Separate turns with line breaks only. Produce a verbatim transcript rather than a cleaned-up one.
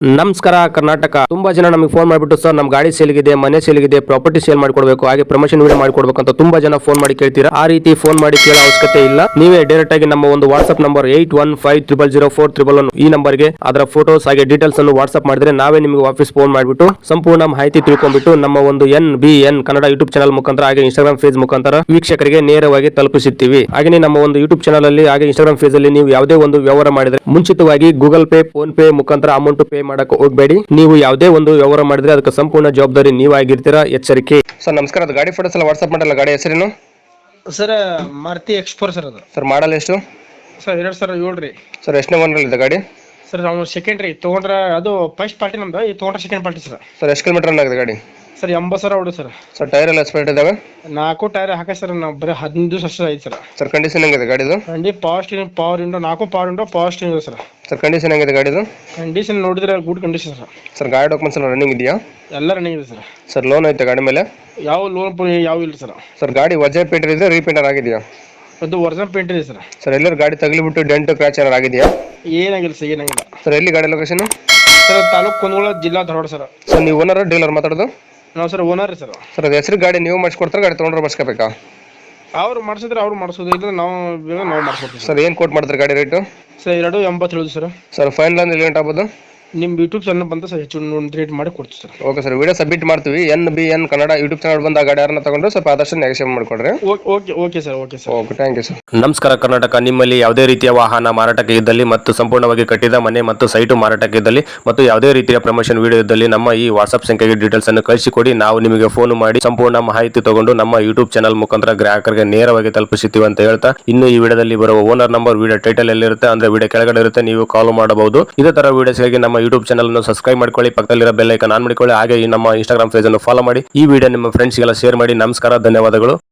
ನಮಸ್ಕಾರ ಕರ್ನಾಟಕ. ತುಂಬಾ ಜನ ನಮಗೆ ಫೋನ್ ಮಾಡಿಬಿಟ್ಟು ಸರ್ ನಮ್ಮ ಗಾಡಿ ಸೇಲ್ಗಿದೆ, ಮನೆ ಸೇಲ್ಗಿದೆ, ಪ್ರಾಪರ್ಟಿ ಸೇಲ್ ಮಾಡ್ಕೊಡ್ಬೇಕು, ಹಾಗೆ ಪ್ರಮೋಷನ್ ವಿಡಿಯೋ ಮಾಡ್ಕೊಡ್ಬೇಕು ಅಂತ ತುಂಬಾ ಜನ ಫೋನ್ ಮಾಡಿ ಕೇಳ್ತೀರಾ. ಆ ರೀತಿ ಫೋನ್ ಮಾಡಿ ಕೇಳೋ ಅವಶ್ಯಕತೆ ಇಲ್ಲ. ನೀವೇ ಡೈರೆಕ್ಟ್ ಆಗಿ ನಮ್ಮ ಒಂದು WhatsApp number eight one five triple zero four triple one ಈ ನಂಬರ್ಗೆ ಅದರ ಫೋಟೋಸ್ ಹಾಗೆ ಡೀಟೇಲ್ಸ್ ಅನ್ನು ವಾಟ್ಸ್ಆಪ್ ಮಾಡಿದ್ರೆ ನಾವೇ ನಿಮಗೆ ವಾಪಸ್ ಫೋನ್ ಮಾಡಿಬಿಟ್ಟು ಸಂಪೂರ್ಣ ಮಾಹಿತಿ ತಿಳ್ಕೊಂಡ್ಬಿಟ್ಟು ನಮ್ಮ ಒಂದು N B N Kannada YouTube channel ಮುಖಾಂತರ ಹಾಗೆ ಇನ್ಸ್ಟಾಗ್ರಾಮ್ ಫೇಸ್ ಮುಖಾಂತರ ವೀಕ್ಷಕರಿಗೆ ನೇರವಾಗಿ ತಲುಪಿಸುತ್ತೀವಿ. ಹಾಗೆ ನಮ್ಮ ಒಂದು ಯೂಟ್ಯೂಬ್ ಚಾನಲ್ ಅಲ್ಲಿ ಹಾಗೆ ಇನ್ಸ್ಟಾಗ್ರಾಮ್ ಫೇಸ್ ಅಲ್ಲಿ ನೀವು ಯಾವುದೇ ಒಂದು ವ್ಯವಹಾರ ಮಾಡಿದ್ರೆ ಮುಂಚಿತವಾಗಿ ಗೂಗಲ್ ಪೇ, ಫೋನ್ ಪೇ ಮುಖಾಂತರ ಅಮೌಂಟ್ ಪೇ ಮಾಡಕ್ಕೆ ಹೋಗಬೇಡಿ. ನೀವು ಯಾವುದೇ ಒಂದು ವ್ಯವಹಾರ ಮಾಡಿದ್ರೆ ಅದಕ್ಕೆ ಸಂಪೂರ್ಣ ಜವಾಬ್ದಾರಿ ನೀವಾಗಿರ್ತೀರಾ, ಎಚ್ಚರಿಕೆ. ಸರ್ ನಮಸ್ಕಾರ, ಅದು ಗಾಡಿ ಫೋಟೋಸ್ ಎಲ್ಲ ವಾಟ್ಸ್ಆಪ್ ಮಾಡಲ್ಲ, ಗಾಡಿ ಹೆಸರೇನು
ಸರ್? ಮಾರುತಿ ಎಕ್ಸ್ಫೋರ್ ಸರ್. ಅದು
ಸರ್ ಮಾಡಲ್ ಎಷ್ಟು
ಸರ್? ಎರಡ್ ಸಾವಿರ ಏಳು ರೀ.
ಸರ್ ಎಷ್ಟನೇ ಓನರ್ ಇದೆ ಗಾಡಿ?
ಸರ್ ನಾವು ಸೆಕೆಂಡ್ ರೀ ತೊಗೊಂಡ್ರೆ, ಅದು ಫಸ್ಟ್ ಪಾರ್ಟಿ ನಮ್ದು, ಈ ತೊಗೊಂಡ್ರೆ ಸೆಕೆಂಡ್ ಪಾರ್ಟಿ ಸರ್.
ಸರ್ ಎಷ್ಟು ಕಿಲೋಮೀಟರ್ ರನ್ ಆಗಿದೆ ಗಾಡಿ?
ಸರ್ ಎಂಬತ್ತು ಸಾವಿರ ಹೊಡು ಸರ್.
ಸರ್ ಟೈರ್ ಎಲ್ಲ ಎಕ್ಸ್ಪೈರ್ಡ್ ಇದಾವೆ?
ನಾಲ್ಕು ಟೈರ್ ಹಾಕ ಸರ್, ನಾವು ಬರೀ ಹದಿನೈದು ವರ್ಷ ಐತೆ ಸರ್.
ಸರ್ ಕಂಡೀಷನ್ ಹೆಂಗಿದೆ ಗಾಡಿದು?
ಕಂಡಿ ಪವರ್ ಸ್ಟೀರಿಂಗ್, ಪವರ್ ವಿಂಡೋ, ನಾಲ್ಕು power window, power steering sir.
Sir condition ಹೆಂಗಿದೆ ಗಾಡಿದು?
ಕಂಡೀಷನ್ ನೋಡಿದ್ರೆ ಗುಡ್ ಕಂಡೀಷನ್ ಸರ್.
ಸರ್ ಗಾಡಿ ಡಾಕ್ಯುಮೆಂಟ್ಸ್ ಎಲ್ಲ ರನ್ನಿಂಗ್ ಇದೆಯಾ?
ಎಲ್ಲ ರನ್ನಿಂಗ್ ಇದೆ ಸರ್.
ಸರ್ ಲೋನ್ ಐತೆ ಗಾಡಿ ಮೇಲೆ?
ಯಾವ ಲೋನ್ ಯಾವ ಇಲ್ಲ ಸರ್.
ಸರ್ ಗಾಡಿ ವಜೆ ಪೇಂಟರ್ ಇದೆ, ರೀಪೇಂಟರ್ ಆಗಿದೆಯಾ?
ಅದು ಒರಿಜಿನಲ್ ಪೇಂಟ್ ಇದೆ ಸರ್.
ಸರ್ ಎಲ್ಲರೂ ಗಾಡಿ ತಗಲಿಬಿಟ್ಟು ಡೆಂಟ್ ಕ್ರ್ಯಾಚ್ ಏನಾರು ಆಗಿದೆಯಾ?
ಏನಾಗಿಲ್ಲ ಸರ್, ಏನಾಗಿಲ್ಲ.
ಸರ್ ಎಲ್ಲಿ ಗಾಡಿ ಲೊಕೇಶನ್?
ಸರ್ ತಾಲೂಕು ಕುಂದಗೋಳ, ಜಿಲ್ಲಾ ಧಾರವಾಡ ಸರ್.
ಸರ್ ನೀವು ಓನರ್ ಡೀಲರ್ ಮಾತಾಡೋದು?
ನಾವು ಸರ್ ಓನರ್ ರೀ ಸರ್.
ಸರ್ ಅದು ಹೆಸರು ಗಾಡಿ ನೀವು ಮಾಡಿಸ್ಕೊಡ್ತಾರೆ, ಗಾಡಿ ತೊಗೊಂಡ್ರೆ ಮಾಡಿಸ್ಕೋಬೇಕಾ?
ಅವ್ರು ಮಾಡಿಸಿದ್ರೆ ಅವ್ರು ಮಾಡಿಸೋದು, ಇಲ್ಲ ನಾವು ನಾವು ಮಾಡಿಸ್ಕೊಡ್ತೀವಿ
ಸರ್ ಏನು ಕೋಟ್ ಮಾಡ್ತಾರೆ ಗಾಡಿ ರೇಟು?
ಸರ್ ಎರಡು ಎಂಬತ್ತೇಳು ಸರ್.
ಸರ್ ಫೈನಲ್ ಅಂದ್ರೆ ಲೇಟ್ ಆಗ್ಬೋದು?
ನಿಮ್ಮ ಯೂಟ್ಯೂಬ್ ಚಾನಲ್ ಬಂದ ಸರ್ ಹೆಚ್ಚು ಒಂದು ರೇಟ್ ಮಾಡಿ ಕೊಡ್ತೀವಿ sir.
Okay sir, video submit ಮಾಡ್ತೀವಿ. N B N Kannada YouTube channel ಬಂದ ಗಾಡಿ ಯಾರನ್ನ ತಗೊಂಡ್ರೆ ಸ್ವಲ್ಪ ಆದಷ್ಟು ನೆಗೆಷನ್ ಮಾಡಿಕೊಡ್ರಿ.
Okay okay sir. Okay sir.
Okay, thank you sir. ನಮಸ್ಕಾರ ಕರ್ನಾಟಕ. ನಿಮ್ಮಲ್ಲಿ ಯಾವುದೇ ರೀತಿಯ ವಾಹನ ಮಾರಾಟಕ್ಕೆ ಇದ್ದಲ್ಲಿ ಮತ್ತು ಸಂಪೂರ್ಣವಾಗಿ ಕಟ್ಟಿದ ಮನೆ ಮತ್ತು ಸೈಟು ಮಾರಾಟಕ್ಕೆ ಇದ್ದಲ್ಲಿ ಮತ್ತು ಯಾವುದೇ ರೀತಿಯ ಪ್ರಮೋಷನ್ ವಿಡಿಯೋ ಇದ್ದಲ್ಲಿ ನಮ್ಮ ಈ ವಾಟ್ಸ್ಆಪ್ ಸಂಖ್ಯೆಗೆ ಡೀಟೇಲ್ಸ್ ಅನ್ನು ಕಳಿಸಿಕೊಡಿ. ನಾವು ನಿಮಗೆ ಫೋನ್ ಮಾಡಿ ಸಂಪೂರ್ಣ ಮಾಹಿತಿ ತಗೊಂಡು ನಮ್ಮ ಯೂಟ್ಯೂಬ್ ಚಾನಲ್ ಮುಖಾಂತರ ಗ್ರಾಹಕರಿಗೆ ನೇರವಾಗಿ ತಲುಪಿಸುತ್ತೀವಿ ಅಂತ ಹೇಳ್ತಾ, ಇನ್ನು ಈ ವಿಡಿಯೋದಲ್ಲಿ ಬರುವ ಓನರ್ ನಂಬರ್ ವಿಡಿಯೋ ಟೈಟಲ್ ಎಲ್ಲಿರುತ್ತೆ ಅಂದ್ರೆ ವಿಡಿಯೋ ಕೆಳಗಡೆ ಇರುತ್ತೆ, ನೀವು ಕಾಲ್ ಮಾಡಬಹುದು. ಇದೇ ತರ ವಿಡಿಯೋಸ್ಗಾಗಿ ನಮ್ಮ ಯೂಟ್ಯೂಬ್ ಚಾನಲ್ ಅನ್ನು ಸಬ್ಸ್ಕ್ರೈಬ್ ಮಾಡ್ಕೊಳ್ಳಿ, ಪಕ್ಕದಲ್ಲಿರೋ ಬೆಲ್ ಐಕಾನ್ ಆನ್ ಮಾಡಿಕೊಳ್ಳಿ, ಹಾಗೆ ಈ ನಮ್ಮ ಇನ್ಸ್ಟಾಗ್ರಾಮ್ ಪೇಜ್ ಅನ್ನು ಫಾಲೋ ಮಾಡಿ. ಈ ವಿಡಿಯೋ ನಿಮ್ಮ ಫ್ರೆಂಡ್ಸ್ಗೆಲ್ಲ ಶೇರ್ ಮಾಡಿ. ನಮಸ್ಕಾರ, ಧನ್ಯವಾದಗಳು.